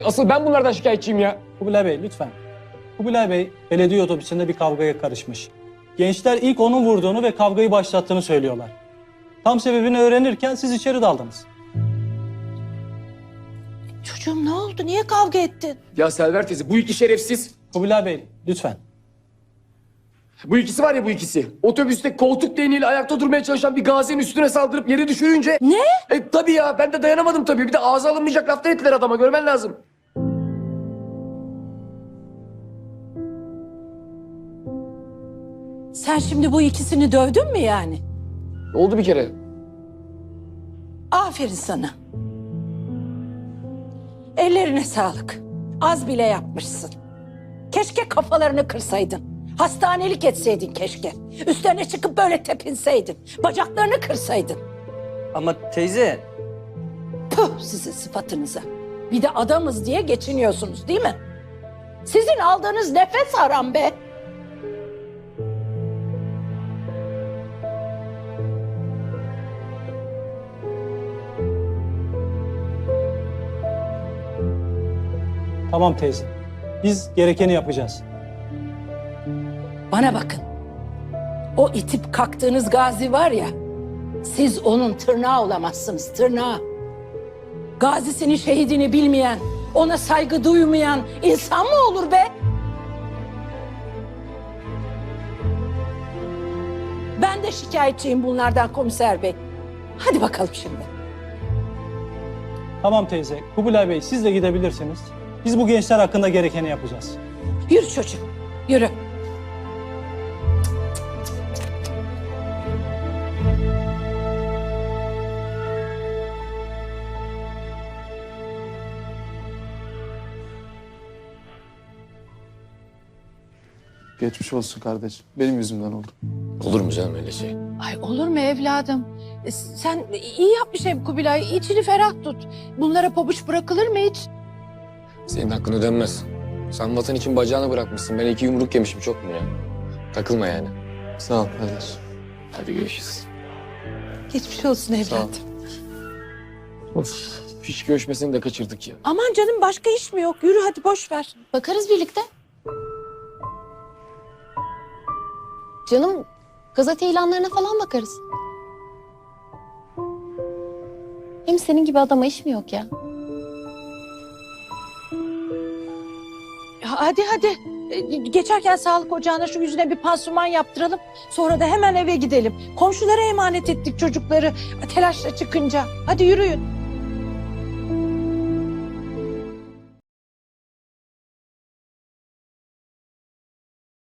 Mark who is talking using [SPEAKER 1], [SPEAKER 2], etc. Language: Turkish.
[SPEAKER 1] Asıl ben bunlardan şikayetçiyim ya.
[SPEAKER 2] Kubilay Bey lütfen. Kubilay Bey belediye otobüsünde bir kavgaya karışmış. Gençler ilk onun vurduğunu ve kavgayı başlattığını söylüyorlar. Tam sebebini öğrenirken siz içeri daldınız.
[SPEAKER 3] Çocuğum ne oldu? Niye kavga ettin?
[SPEAKER 1] Ya Selver teyze bu iki şerefsiz.
[SPEAKER 2] Kubilay Bey lütfen.
[SPEAKER 1] Bu ikisi var ya bu ikisi. Otobüste koltuk değneğiyle ayakta durmaya çalışan bir gazinin üstüne saldırıp yere düşürünce...
[SPEAKER 3] Ne?
[SPEAKER 1] Tabii ya ben de dayanamadım tabii. Bir de ağza alınmayacak laflar ettiler adama görmen lazım.
[SPEAKER 3] Sen şimdi bu ikisini dövdün mü yani?
[SPEAKER 1] Oldu bir kere.
[SPEAKER 3] Aferin sana. Ellerine sağlık. Az bile yapmışsın. Keşke kafalarını kırsaydın. Hastanelik etseydin keşke. Üstlerine çıkıp böyle tepinseydin. Bacaklarını kırsaydın.
[SPEAKER 4] Ama teyze...
[SPEAKER 3] Puh sizin sıfatınıza. Bir de adamız diye geçiniyorsunuz değil mi? Sizin aldığınız nefes haram be.
[SPEAKER 2] Tamam teyze. Biz gerekeni yapacağız.
[SPEAKER 3] Bana bakın. O itip kalktığınız Gazi var ya, siz onun tırnağı olamazsınız, tırnağı. Gazisini, şehidini bilmeyen, ona saygı duymayan insan mı olur be? Ben de şikayetçiyim bunlardan komiser bey. Hadi bakalım şimdi.
[SPEAKER 2] Tamam teyze. Kubilay Bey siz de gidebilirsiniz. Biz bu gençler hakkında gerekeni yapacağız.
[SPEAKER 3] Yürü çocuğum, yürü.
[SPEAKER 5] Geçmiş olsun kardeşim. Benim yüzümden oldu.
[SPEAKER 1] Olur mu canım öyle şey?
[SPEAKER 3] Ay olur mu evladım? Sen iyi yapmış hem Kubilay. İçini ferah tut. Bunlara pabuç bırakılır mı hiç?
[SPEAKER 1] Senin hakkın ödenmez. Sen vatan için bacağını bırakmışsın. Ben 2 yumruk yemişim çok mu ya? Takılma yani.
[SPEAKER 5] Sağ ol kardeşim.
[SPEAKER 1] Hadi görüşürüz.
[SPEAKER 3] Geçmiş olsun
[SPEAKER 5] Sağ ol.
[SPEAKER 3] evladım.
[SPEAKER 1] Of, fiş görüşmesini de kaçırdık ya.
[SPEAKER 3] Aman canım başka iş mi yok? Yürü hadi boş ver.
[SPEAKER 6] Bakarız birlikte. Canım gazete ilanlarına falan bakarız. Hem senin gibi adama iş mi yok ya?
[SPEAKER 3] Hadi hadi. Geçerken sağlık ocağına şu yüzüne bir pansuman yaptıralım. Sonra da hemen eve gidelim. Komşulara emanet ettik çocukları telaşla çıkınca. Hadi yürüyün.